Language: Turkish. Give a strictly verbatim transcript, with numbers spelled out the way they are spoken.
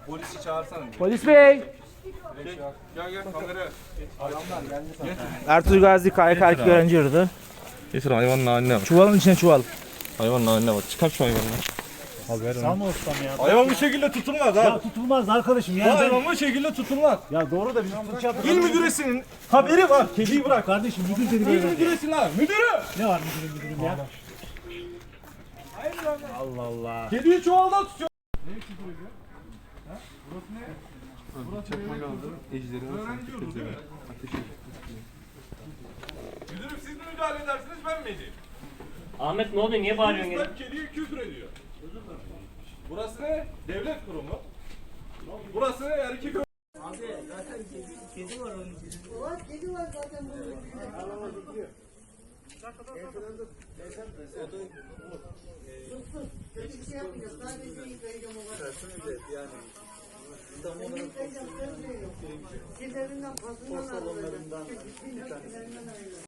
Polisi çağırsana. Polis bey. Gel gel kameraya. Adamlar geldi sana. Ertuğrul Gazi K Y K erkek öğrenci yurdu. Getir hayvanın haline bak. Çuvalın içine çuval. Hayvanın haline bak. Çıkar şu hayvanı. Sağ ustam ya? Hayvan bu şekilde tutulmaz Ya ha. tutulmaz arkadaşım ya. Bu hayvan bu şekilde tutulmaz. Ya doğru da bizim fırça yaptık. İl müdüresinin haberi var. Kediyi bırak. Kardeşim müdür dedi İl böyle. müdüresi lan. Müdürü. Ne var müdürüm müdürüm ya? Allah Allah. Kediyi çuvalda tutuyor. Müdürüm siz mi müdahale edersiniz ben mi edeyim? Ahmet ne oluyor? Niye bağırıyorsun gene? Polisler kediye küfür ediyor. Burası ne? Devlet kurumu. Burası ne? Erkek Var kedi var zaten bunun içinde. Sus sus. Kötü bir şey yapmayacağız. Sadece yıkayacağım o kadar. Yani. Seni yıkayacağım. Söz veriyorum. Kirlerinden pasından ayrılacağım. Kirlerinden ayrılacağım.